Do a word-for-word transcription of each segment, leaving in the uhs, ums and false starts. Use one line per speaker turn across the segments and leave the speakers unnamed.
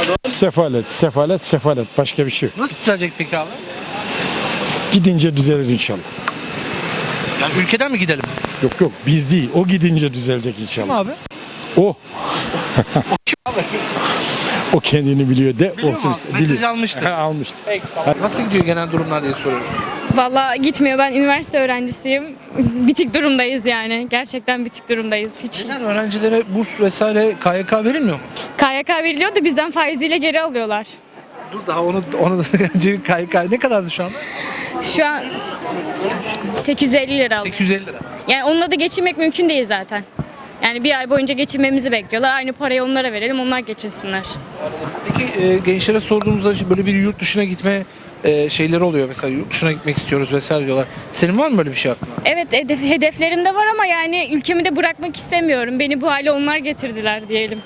Sefalet, sefalet, sefalet. Başka bir şey yok.
Nasıl düzelecek peki abi?
Gidince düzelir inşallah.
Yani ülkeden mi gidelim?
Yok yok biz değil. O gidince düzelecek
Kim
inşallah.
abi?
O. O kendini biliyor de.
Biliyor
olsun.
mu abi? Mesaj almıştır.
Ha, almıştır.
Peki, tamam. Nasıl gidiyor genel durumlar diye soruyoruz.
Vallahi gitmiyor. Ben üniversite öğrencisiyim. Bitik durumdayız yani. Gerçekten bitik durumdayız. Hiç.
Neden öğrencilere burs vesaire K Y K verilmiyor mu?
K Y K veriliyor da bizden faiziyle geri alıyorlar.
Dur daha onu onu önce K Y K ne kadardı şu anda?
Şu an sekiz yüz elli lira alıyor.
sekiz yüz elli lira.
Yani onunla da geçinmek mümkün değil zaten. Yani bir ay boyunca geçinmemizi bekliyorlar. Aynı parayı onlara verelim, onlar geçinsinler.
Peki e, gençlere sorduğumuzda böyle bir yurt dışına gitme e, şeyleri oluyor. Mesela yurt dışına gitmek istiyoruz vesaire diyorlar. Senin var mı böyle bir şey aklında?
Evet, hedef, hedeflerim de var ama yani ülkemi de bırakmak istemiyorum. Beni bu hale onlar getirdiler diyelim.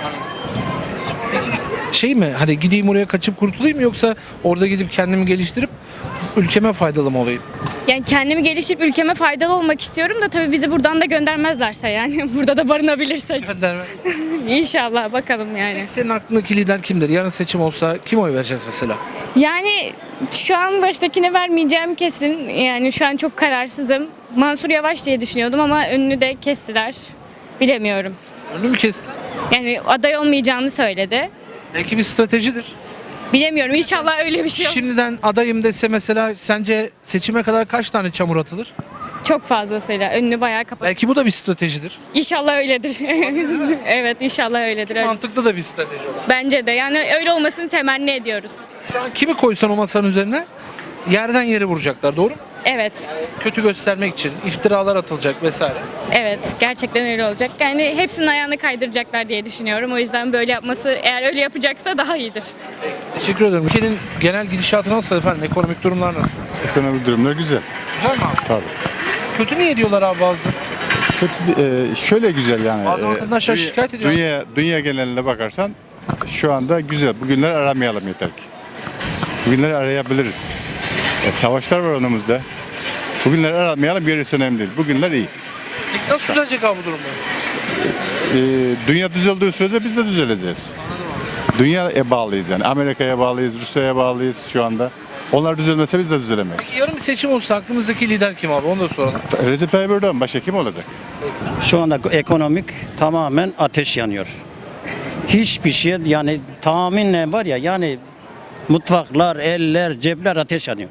Şey mi hani gideyim oraya kaçıp kurtulayım mı yoksa orada gidip kendimi geliştirip ülkeme faydalı mı olayım?
Yani kendimi geliştirip ülkeme faydalı olmak istiyorum da tabii bizi buradan da göndermezlerse yani. Burada da barınabilirsek.
Gönderme.
İnşallah bakalım yani.
Peki senin aklındaki lider kimdir? Yarın seçim olsa kim oy vereceğiz mesela?
Yani şu an baştakine vermeyeceğim kesin. Yani şu an çok kararsızım. Mansur Yavaş diye düşünüyordum ama önünü de kestiler. Bilemiyorum.
Önünü mü kesti?
Yani aday olmayacağını söyledi.
Belki bir stratejidir.
Bilemiyorum. İnşallah öyle bir şey yok.
Şimdiden adayım dese mesela sence seçime kadar kaç tane çamur atılır?
Çok fazlasıyla önünü bayağı kapat.
Belki bu da bir stratejidir.
İnşallah öyledir. Evet, inşallah öyledir. Öyle.
Mantıklı da bir strateji olur.
Bence de. Yani öyle olmasını temenni ediyoruz.
Şu an kimi koysan o masanın üzerine yerden yere vuracaklar, doğru mu?
Evet.
Kötü göstermek için iftiralar atılacak vesaire.
Evet. Gerçekten öyle olacak. Yani hepsinin ayağını kaydıracaklar diye düşünüyorum. O yüzden böyle yapması, eğer öyle yapacaksa daha iyidir.
Teşekkür ederim. Ülkenin genel gidişatı nasıl efendim? Ekonomik durumlar nasıl?
Ekonomik durumlar güzel.
Güzel mi abi?
Tabii.
Kötü niye diyorlar abi bazıları?
Kötü, e, şöyle güzel yani.
Bazı
e,
vatandaşlar
dünya-
şikayet ediyor.
Dünya, dünya geneline bakarsan şu anda güzel. Bugünleri aramayalım yeter ki. Bugünleri arayabiliriz. E, savaşlar var önümüzde. Bugünleri aramayalım, gerisi önemli değil. Bugünler iyi.
Peki nasıl düzelecek abi bu durumlar?
E, dünya düzeldiği sürece biz de düzeleceğiz. Dünyaya bağlıyız yani. Amerika'ya bağlıyız, Rusya'ya bağlıyız şu anda. Onlar düzelmese biz de düzelemeyiz.
Yarın bir seçim olsa aklımızdaki lider kim abi? Onu da soralım.
Recep Tayyip Erdoğan başka kim olacak?
Şu anda ekonomik tamamen ateş yanıyor. Hiçbir şey yani tahminle var ya yani mutfaklar, eller, cepler ateş yanıyor.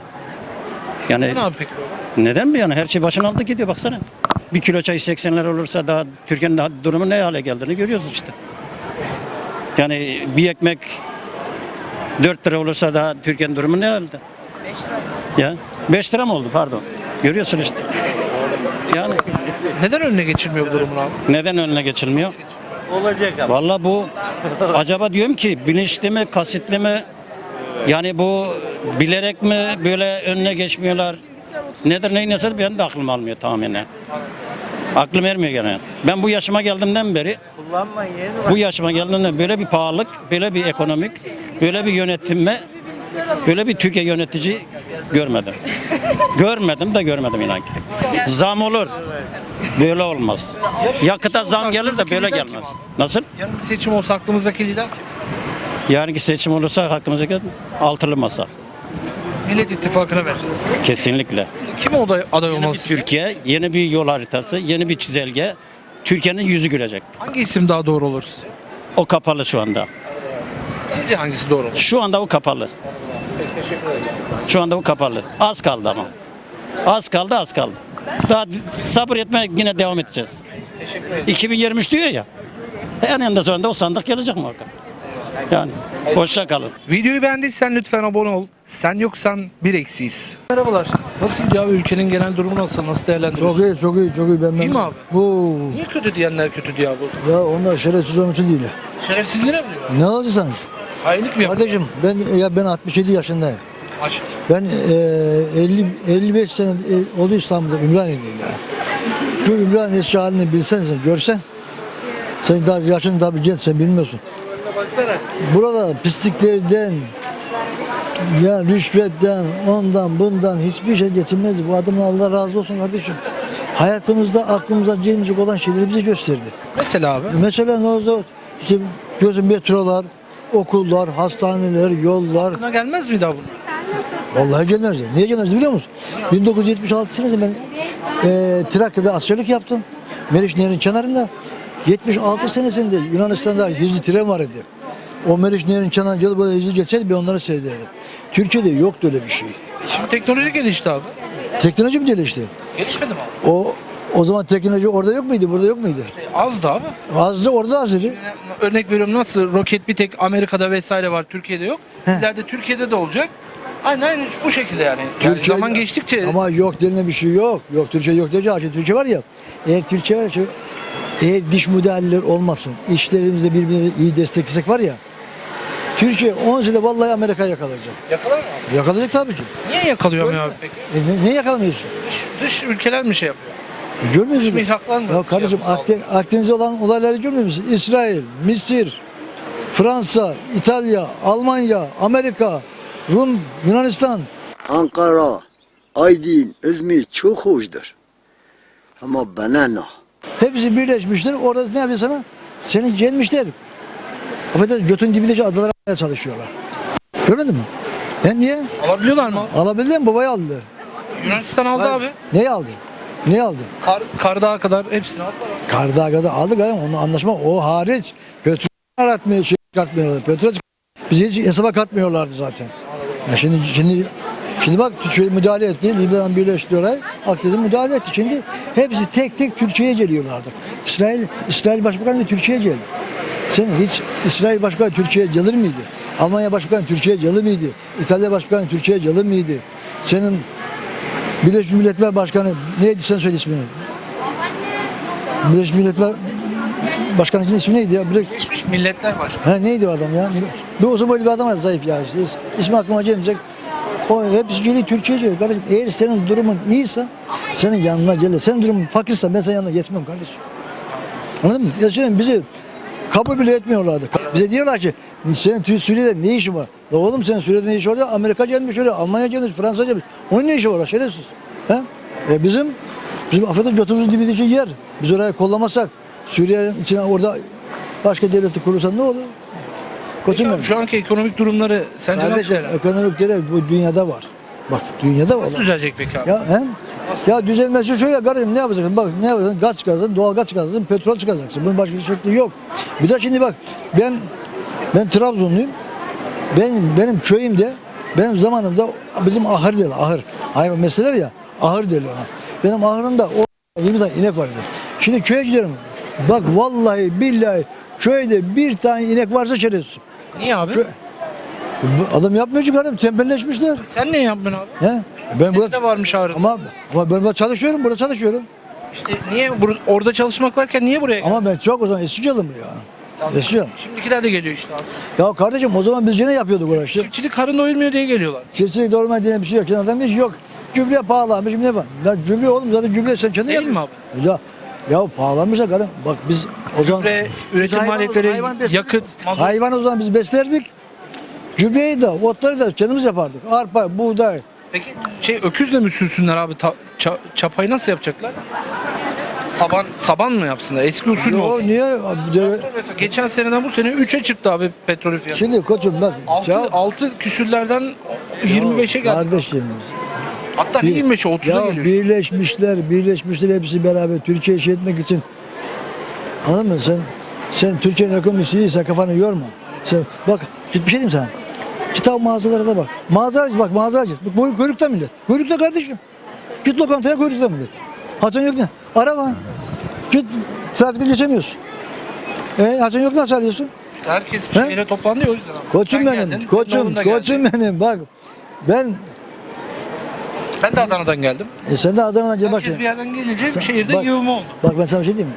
Yani
Ne abi peki?
neden mi yani her şey başına aldı gidiyor baksana. Bir kilo çay seksenler olursa daha Türkiye'nin daha durumu ne hale geldiğini görüyoruz işte. Yani bir ekmek dört lira olursa daha Türkiye'nin durumu ne halde? Ya beş lira mı oldu pardon. Görüyorsun işte. Yani
Neden önüne geçilmiyor bu durumun abi?
neden önüne geçilmiyor? Olacak abi. Vallahi bu acaba diyorum ki bilinçli mi, kasıtlı mı? Yani bu bilerek mi böyle önüne geçmiyorlar? Nedir neyin nesi benim de aklım almıyor tamamen. Aklım ermiyor gene. Ben bu yaşıma geldiğimden beri bu yaşıma geldiğimden böyle bir pahalılık, böyle bir ekonomik, böyle bir yönetilme, böyle bir Türkiye yönetici görmedim. Görmedim de görmedim inan ki. Zam olur. Böyle olmaz. Yakıta zam gelir de böyle gelmez. Nasıl?
Yarın bir seçim olsa aklımızdaki lider kim?
Yarınki seçim olursa hakkımıza gelir. Altılı masa.
Millet İttifakı'na verecek.
Kesinlikle.
Kim o aday, aday
Yeni bir
olmalı?
Türkiye, yeni bir yol haritası, yeni bir çizelge. Türkiye'nin yüzü gülecek.
Hangi isim daha doğru olur sizce?
O kapalı şu anda.
Sizce hangisi doğru olur?
Şu anda o kapalı. Şu anda o kapalı. Az kaldı ama. Az kaldı, az kaldı. Daha sabır etmeye yine devam edeceğiz. iki bin yirmi üç diyor ya. Eninde sonunda o sandık gelecek muhakkak. Yani hoşça kalın.
Videoyu beğendiysen lütfen abone ol. Sen yoksan bir eksiyiz. Merhabalar. Nasıl gidiyor abi? Ülkenin genel durumu nasıl? Nasıl değerlendiriyorsun?
Çok iyi, çok iyi, çok iyi. Ben
İyi mi abi?
Bu
Niye kötü diyenler kötü diyor abi?
ya onlar şerefsiz onun için değil.
Şerefsizliğine mi diyor?
Ne alacaksınız?
Hainlik mi yapıyor?
Kardeşim ben ya ben altmış yedi yaşındayım.
Aşk.
Ben e, elli elli beş sene e, oldu İstanbul'da Ümraniye'deyim ya. Şu Ümraniye eski halini bilsen sen, görsen. Sen daha yaşın tabii genç, sen bilmiyorsun. Burada pisliklerden, ya rüşvetten, ondan bundan hiçbir şey geçilmez. Bu adamın Allah razı olsun kardeşim. Hayatımızda aklımıza gelecek olan şeyleri bize gösterdi.
Mesela abi.
Mesela ne oldu? İşte gözüm metrolar, okullar, hastaneler, yollar.
Aklına gelmez mi daha bunlar?
Vallahi gelmez. Niye gelmez biliyor musun? bin dokuz yüz yetmiş altı senesinde ben e, Trakya'da askerlik yaptım. Meriç Nehri'nin kenarında. yetmiş altı senesinde Yunanistan'da hızlı tren var idi. O Meriç Nehri'nin kenarına gelip böyle hızlı geçseydi ben onları seyrederdim. Türkiye'de yoktu öyle bir şey.
Şimdi teknoloji gelişti abi.
Teknoloji mi gelişti?
Gelişmedi mi abi?
O o zaman teknoloji orada yok muydu, burada yok muydu?
E, az da abi.
Azdı, orada az idi.
Örnek veriyorum, nasıl roket bir tek Amerika'da vesaire var, Türkiye'de yok.
Heh.
İleride Türkiye'de de olacak. Aynen bu şekilde yani. Yani
Türkiye-
zaman geçtikçe
Ama yok denilen bir şey yok. Yok Türkçe yok diyeceğim. Şimdi Türkçe var ya. Eğer Türkçe var ya, eğer diş modeller olmasın, işlerimizde birbirimizi iyi desteklesek var ya. Türkiye on senede vallahi Amerika yakalayacak.
yakalar mı abi?
Yakalayacak tabii ki.
Niye yakalayamıyor
Öyle.
abi peki?
E, ne, ne yakalamıyorsun?
Dış, dış ülkeler mi şey yapıyor?
E, görmüyor
Dış
musun?
mihraklar mı?
Ya
şey
kardeşim
yapıyor?
Akden- Akdeniz'de olan olayları görmüyor musun? İsrail, Mısır, Fransa, İtalya, Almanya, Amerika, Rum, Yunanistan.
Ankara, Aydın, İzmir çok hoşdur. Ama bana ne?
Hepsi birleşmişler. Orada ne yapıyor sana? Seni gelmişler. Affedersin götün dibindeki adalara almaya çalışıyorlar. Görmedin mi? Ben niye?
Alabiliyorlar mı?
Alabildi mi? Babayı aldı.
Yunanistan aldı
Hayır.
abi.
Neyi aldı? Neyi aldı?
Kar, Kardağa kadar hepsini aldılar abi.
Kardağ'da aldık adam. Onunla anlaşma o hariç. Petrol aratmıyor, şey katmıyorlar. Petrol bizi hiç hesaba katmıyorlardı zaten. Ya şimdi şimdi şimdi bak şöyle müdahale etti. Libya'dan birleşti orayı. Akdeniz'e müdahale etti. Şimdi hepsi tek tek Türkiye'ye geliyorlardı. İsrail İsrail Başbakanı bir Türkiye'ye geldi. Sen hiç İsrail Başbakanı Türkiye'ye gelir miydi? Almanya Başbakanı Türkiye'ye gelir miydi? İtalya Başbakanı Türkiye'ye gelir miydi? Senin Birleşmiş Milletler Başkanı neydi sen söyle ismini? Birleşmiş Milletler Başkanı'nın ismi neydi ya? Birleş...
Geçmiş Milletler Başkanı.
Ha neydi o adam ya? Bir uzun boylu bir adam var zayıf ya işte. İs- İsmi aklıma gelmeyecek. O hepsi geliyor Türkiye'ye geliyor. Kardeşim eğer senin durumun iyiyse senin yanına gelir. Senin durumun fakirse ben senin yanına geçmem kardeşim. Anladın mı? Ya şimdi bizi kabul bile etmiyorlardı. Bize diyorlar ki senin Tü- Suriye'de ne işin var? La oğlum senin Suriye'de ne işin var? Amerika gelmiş öyle, Almanya gelmiş, Fransa gelmiş. Onun ne işi var? Şerefsiz. He? E bizim bizim affedersin götümüzün dibindeki yer. Biz orayı kollamazsak Suriye'nin içine orada başka devleti kurursan ne olur? Koçum
Peki
benim.
abi, şu anki ekonomik durumları sence
Kardeşim
nasıl?
ekonomik değerler bu dünyada var. Bak dünyada var.
Nasıl düzelecek peki abi?
Ya hem ya düzelmesi şöyle kardeşim ne yapacaksın? Bak ne yapacaksın? Gaz çıkaracaksın, doğal gaz çıkaracaksın, petrol çıkaracaksın. Bunun başka bir şekli yok. Bir de şimdi bak ben ben Trabzonluyum. Ben benim köyümde benim zamanımda bizim ahır derler ahır. Hayvan mesleler ya ahır derler ona. Benim ahırımda o yirmi tane inek vardı. Şimdi köye gidiyorum. Bak vallahi billahi köyde bir tane inek varsa şerefsiz.
Niye abi?
Kö- Bu adam yapmıyor ki adam tembelleşmişler.
Sen ne yapıyorsun abi?
He? Ben
Senin
burada
de varmış ağrı.
ama ama ben burada çalışıyorum, burada çalışıyorum.
İşte niye bur- orada çalışmak varken niye buraya geldin?
Ama ben çok o zaman eski yılım ya.
Tamam.
Eski yılım.
Şimdikiler de geliyor işte abi.
Ya kardeşim o zaman biz yine yapıyorduk uğraşı.
Çiftçilik karın doyurmuyor diye geliyorlar.
Çiftçilik doğurma diye bir şey yok. Şimdi adam diyor ki yok. Gübre pahalanmış ne var? Ya gübre oğlum zaten gübre sen kendin
Değil mi
yapıyorsun. Ya ya pahalanmış da kardeşim. Bak biz o zaman
Gübre,
biz
üretim
hayvan-
maliyetleri,
hayvan besledik.
yakıt, mazot.
Hayvan o zaman biz beslerdik. Gübreyi de, otları da kendimiz yapardık. Arpa, buğday.
Peki şey öküzle mi sürsünler abi? Ta- ça- çapayı nasıl yapacaklar? Saban saban mı yapsınlar? Eski usul mü
Yo,
olsun?
niye? Abi, de-
Mesela geçen seneden bu sene üçe çıktı abi petrol fiyatı.
Şimdi koçum bak.
altı,
ya-
altı küsürlerden yirmi beşe geldi.
Kardeşim.
Hatta ne yirmi beşe otuza
Ya
geliyor.
birleşmişler, birleşmişler hepsi beraber Türkiye'yi şey etmek için. Anladın mı? Sen sen Türkiye'nin ekonomisi iyiyse kafanı yorma. Sen bak git bir şey diyeyim sana. Kitap mağazalara da bak. Mağaza bak mağaza git. Bak boy kuyrukta millet. Kuyrukta kardeşim. Git lokantaya kuyrukta millet. Haçan yok ne? Araba. Git trafikte geçemiyorsun. E haçan yok nasıl alıyorsun?
Herkes bir
He?
şehre toplandı ya o yüzden abi.
Koçum
Sen
benim.
geldin, senin
koçum,
oğlun da geldi.
koçum benim. Bak ben
Ben de Adana'dan geldim.
e, sen de Adana'dan gel bak.
Herkes
ya.
bir yerden gelince
Sen-
bir şehirde
bak-
yığılma oldu.
Bak ben sana bir şey diyeyim mi?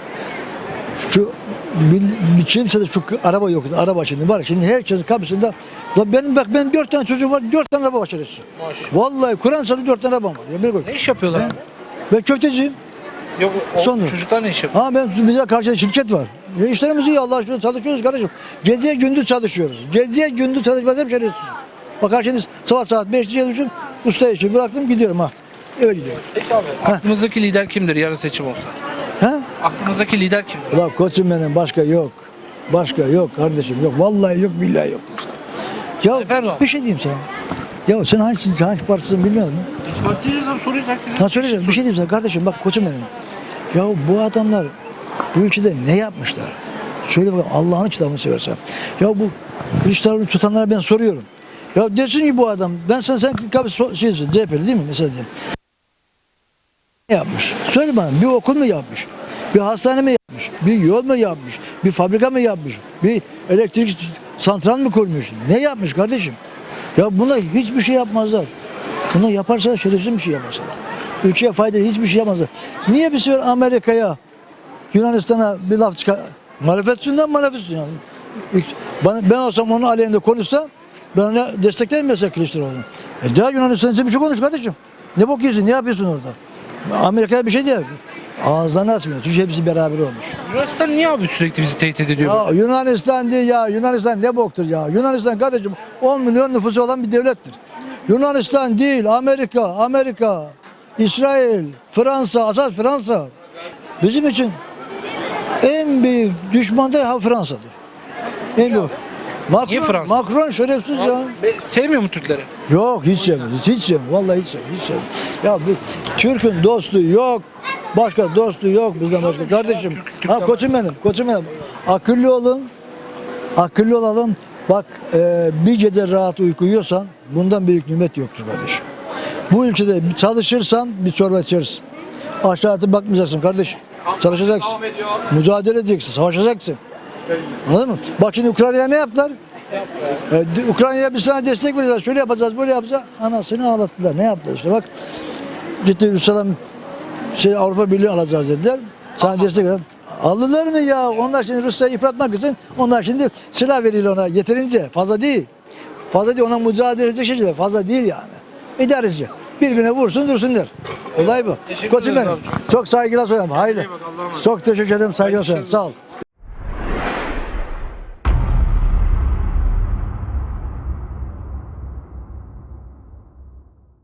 Şu bir, bir kimse de şu araba yok. Araba şimdi var. Şimdi herkesin kapısında. La benim bak benim dört tane çocuğum var. Dört tane araba başarısı. Vallahi Kur'an sana dört tane arabam var. Ya beni koy.
Ne iş yapıyorlar?
He?
abi?
Ben köfteciyim.
Yok o
Sonra.
çocuklar ne iş yapıyor?
Ha ben bize karşı şirket var. Ya işlerimiz iyi Allah aşkına çalışıyoruz kardeşim. Geziye gündüz çalışıyoruz. Geziye gündüz çalışmaz hep şerefsiz. Bak şimdi sabah saat beşte çalışıyorum. Usta işi bıraktım gidiyorum ha. Eve gidiyorum.
Peki abi aklımızdaki lider kimdir yarın seçim olsa?
Ha?
Aklımızdaki lider kimdir?
Ulan koçum benim başka yok. Başka yok kardeşim yok. Vallahi yok billahi yok. Ya
Efendim?
bir şey diyeyim sana. Ya sen hangi, hangi partisin bilmiyorum.
Hiç bakacağız abi soruyoruz herkese.
Ha söyleyeceğim bir şey diyeyim sana kardeşim bak koçum benim. Ya bu adamlar bu ülkede ne yapmışlar? Söyle bakalım Allah'ın kitabını seversen. Ya bu Kılıçdaroğlu tutanlara ben soruyorum. Ya desin ki bu adam ben sen sen tabii so- şeysin C H P'li değil mi mesela diyeyim. Ne yapmış? Söyle bana bir okul mu yapmış? Bir hastane mi yapmış? Bir yol mu yapmış? Bir fabrika mı yapmış? Bir elektrik santral mı kurmuş? Ne yapmış kardeşim? Ya buna hiçbir şey yapmazlar. Bunu yaparsa şerefsiz bir şey yaparsalar. Ülkeye faydalı hiçbir şey yapmazlar. Niye bir sefer Amerika'ya, Yunanistan'a bir laf çıkar? Marifetinden marifetsin yani. Ben, ben olsam onun aleyhinde konuşsam ben ona desteklerim mesela Kılıçdaroğlu'nu. E daha Yunanistan için bir şey konuş kardeşim. Ne bok yiyorsun, ne yapıyorsun orada? Amerika'ya bir şey diyor. Ağızlarını açmıyor. Çünkü hepsi beraber olmuş.
Yunanistan niye abi sürekli bizi tehdit ediyor?
Ya Yunanistan değil ya. Yunanistan ne boktur ya. Yunanistan kardeşim on milyon nüfusu olan bir devlettir. Yunanistan değil, Amerika, Amerika, İsrail, Fransa, asas Fransa. Bizim için en büyük düşman da ha Fransa'dır. En büyük. Macron,
Niye Fransa?
Macron şerefsiz ya.
Be- Sevmiyor mu Türkleri?
Yok hiç sevmiyor, hiç sevmiyor. Vallahi hiç sevmiyor, hiç sevmiyor. Ya bu Türk'ün dostu yok. Başka dostu yok bizden başka. Kardeşim,
Türk-
ha
Türk'ten
koçum benim, koçum benim. Akıllı olun, akıllı olalım. Bak e, bir gece rahat uyku uyuyorsan bundan büyük nimet yoktur kardeşim. Bu ülkede çalışırsan bir çorba içersin. Aşağıda bakmayacaksın kardeşim. Çalışacaksın. Mücadele edeceksin, savaşacaksın. Anladın mı? Bak şimdi Ukrayna'ya ne yaptılar? Ee, Ukrayna'ya bir sana destek veriyorlar. Şöyle yapacağız, böyle yapacağız. Anasını ağlattılar. Ne yaptılar işte bak. Ciddi Rusya'dan şey Avrupa Birliği alacağız dediler. Sana destek veriyorlar. Aldılar mı ya? Onlar şimdi Rusya'yı yıpratmak için onlar şimdi silah veriyorlar ona. Yeterince. Fazla değil. Fazla değil. Ona mücadele edecek şeyler. Fazla değil yani. İdareci. Birbirine vursun dursun der. Olay bu.
Teşekkür
Koçum
ederiz
benim.
abi.
Çok saygılar söylerim. Haydi.
bak, Allah'a emanet.
Çok teşekkür ederim. Saygılar
Hayırlı
söylerim.
işler
Sağ ol.